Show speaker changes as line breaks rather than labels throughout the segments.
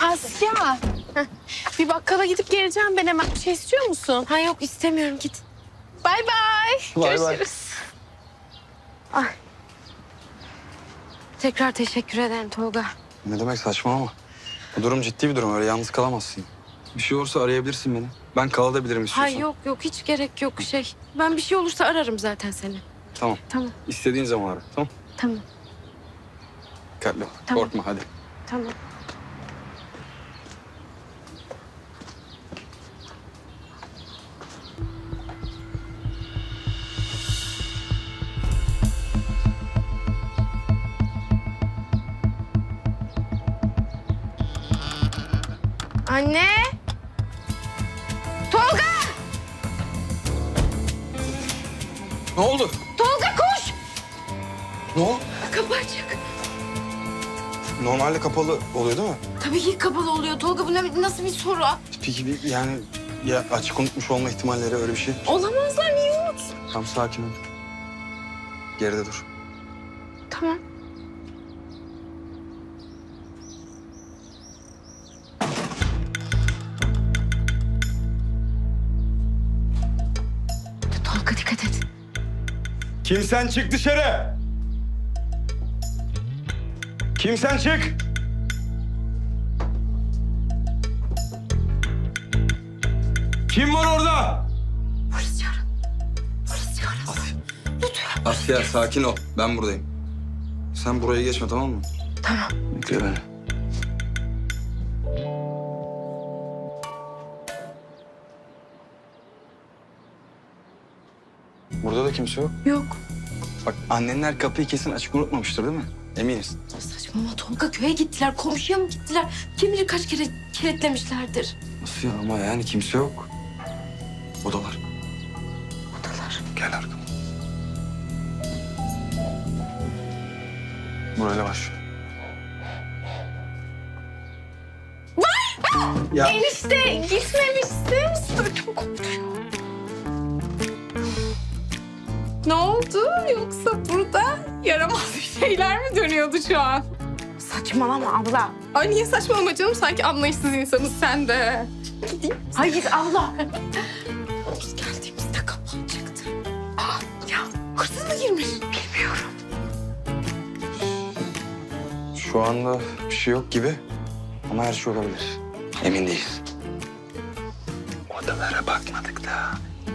Asya. Bir bakkala gidip geleceğim ben hemen. Bir şey istiyor musun?
Ha yok istemiyorum git.
Bay bay.
Bay bay.
Görüşürüz.
Ay. Tekrar teşekkür ederim Tolga.
Ne demek, saçmalama. Bu durum ciddi bir durum, öyle yalnız kalamazsın. Bir şey olursa arayabilirsin beni. Ben kalabilirim istiyorsan.
Hayır yok hiç gerek yok şey. Ben bir şey olursa ararım zaten seni.
Tamam.
Tamam
İstediğin zaman ara. Tamam.
tamam
Dikkatli ol.
Tamam.
Korkma hadi.
tamam. Anne! Tolga!
Ne oldu?
Tolga koş!
Ne oldu?
Kapı açık.
Normalde kapalı oluyor değil mi?
Tabii ki kapalı oluyor. Tolga bu nasıl bir soru?
Peki yani ya açık unutmuş olma ihtimalleri, öyle bir şey.
Olamazlar, niye unut?
Tamam, sakin ol. Geride dur.
Tamam. Tolga dikkat et.
Kimsen çık dışarı. Kimsen çık. Kim var orada?
Polis çağırın. Polis çağırın. Lütfen.
Asya, sakin ol. Ben buradayım. Sen buraya geçme, tamam mı?
Tamam.
Bekle beni. Burada da kimse yok.
Yok.
Bak, annenler kapıyı kesin açık unutmamıştır değil mi? Eminiz.
Saçmalama Tolga köye gittiler. Komşuya mı gittiler? Kim bilir kaç kere kilitlemişlerdir.
Nasıl ya, ama yani kimse yok. Odalar.
Odalar.
Gel arkama. Burayla başlıyor. Ya
Enişte gitmemişsin.
Ödüm koptu ya.
Ne oldu? Yoksa burada yaramaz bir şeyler mi dönüyordu şu an?
Saçmalama abla.
Ay niye saçmalama canım? Sanki anlayışsız insanız sen de.
Hayır abla. Biz geldiğimizde kapı açıktı.
Ya hırsız mı girmiş?
Bilmiyorum.
şu anda bir şey yok gibi. Ama her şey olabilir. Emin değiliz. Odalara bakmadık da.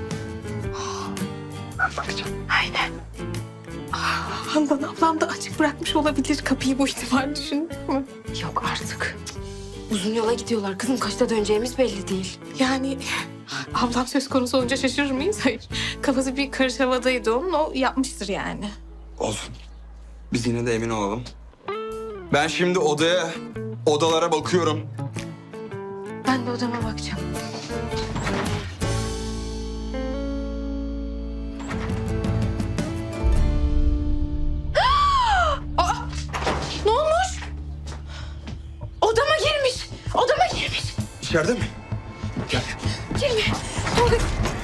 Ben bakacağım.
Aynen.
Handan ablam da açık bırakmış olabilir kapıyı, bu ihtimal düşündük mü?
Yok artık. Uzun yola gidiyorlar. Kızım kaçta döneceğimiz belli değil.
Yani ablam söz konusu olunca şaşırır mıyız? Hayır. Kafası bir karış havadaydı onun. O yapmıştır yani.
Olsun. Biz yine de emin olalım. Ben şimdi odalara bakıyorum.
Ben de odama bakacağım.
Ne olmuş?
Odama girmiş. Odama girmiş.
İçeride mi? Gel.
Girme. Tolga.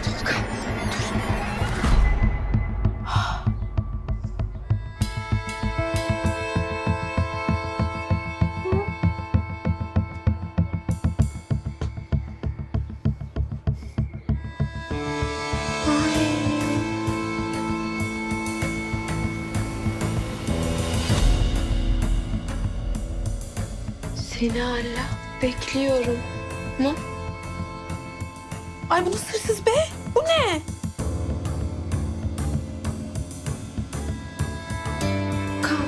Seni hala bekliyorum. Mu?
Ay bu nasıl hırsız be? Bu ne?
Kal.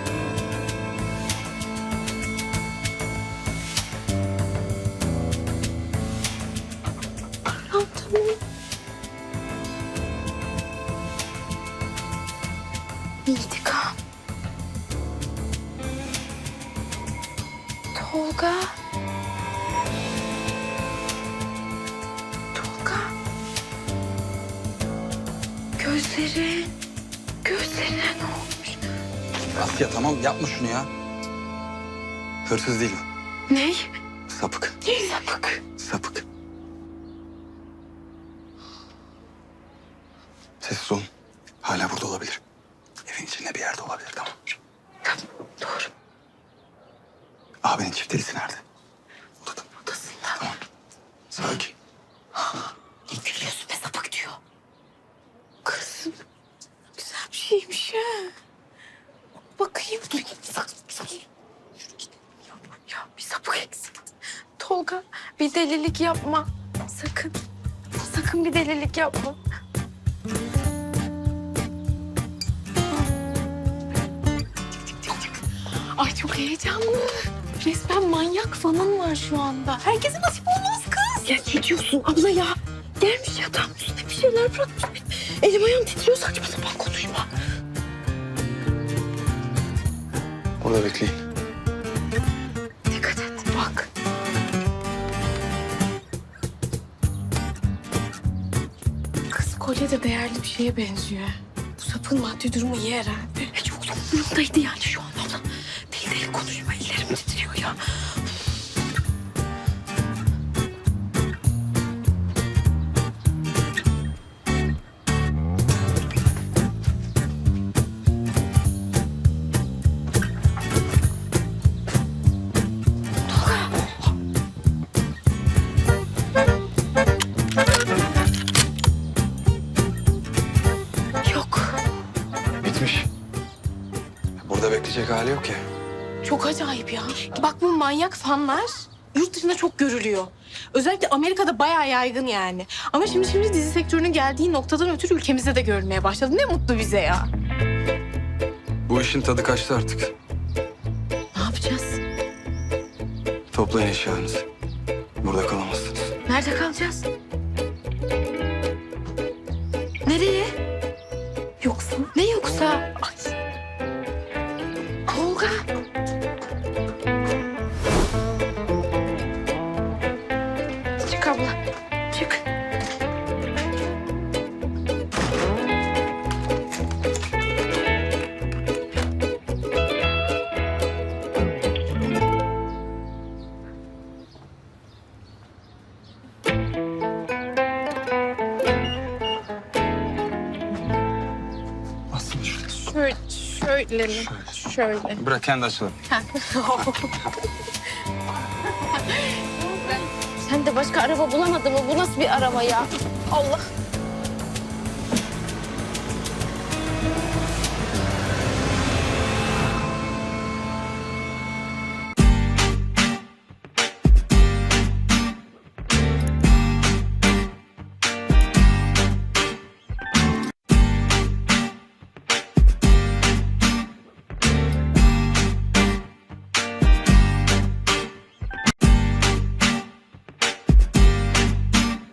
Tamam tamam.
İntikam. Tolga. Tolga. Gözlerine ne olmuş?
Asya, tamam, yapma şunu ya. Hırsız değil o.
Ney?
Sapık.
Sapık.
Sapık. Sessiz olun. Hala burada olabilir. Evin içinde bir yerde olabilir, tamam.
Tamam, doğru.
Abinin çiftelisi nerede? Odada.
Bakayım.
Ya bir sapık eksik. Tolga bir delilik yapma. Sakın. Sakın bir delilik yapma.
Ay çok heyecanlı. Resmen manyak fanın var şu anda. Herkese nasip olmaz kız.
Ya ne diyorsun abla ya? Gelmiş yatağın üstüne bir şeyler bırakmış. Elim ayağım titriyor, saçma sapan konuşma.
Burada bekleyin.
Dikkat et bak.
Kız kolye de değerli bir şeye benziyor. Bu sapın maddi durumu iyi herhalde.
Çok umurumdaydı yani şu an abla. Deli deli konuşma, ellerim titriyor ya. Yok.
Bitmiş. Burada bekleyecek hali yok ya.
Çok acayip ya. Bak bu manyak fanlar yurt dışında çok görülüyor. Özellikle Amerika'da bayağı yaygın yani. Ama şimdi dizi sektörünün geldiği noktadan ötürü ülkemizde de görülmeye başladı. Ne mutlu bize ya.
Bu işin tadı kaçtı artık.
Ne yapacağız?
Toplayın eşyalarınızı. Burada kalamazsınız.
Nerede kalacağız? Nereye?
Yoksa?
Ne yoksa? Ay. Tolga. Çık abla. Çık.
Aslında şurada.
Şöyle mi? Şöyle.
Bırak kendi açalım.
Sen de başka araba bulamadın mı? Bu nasıl bir araba ya? Allah.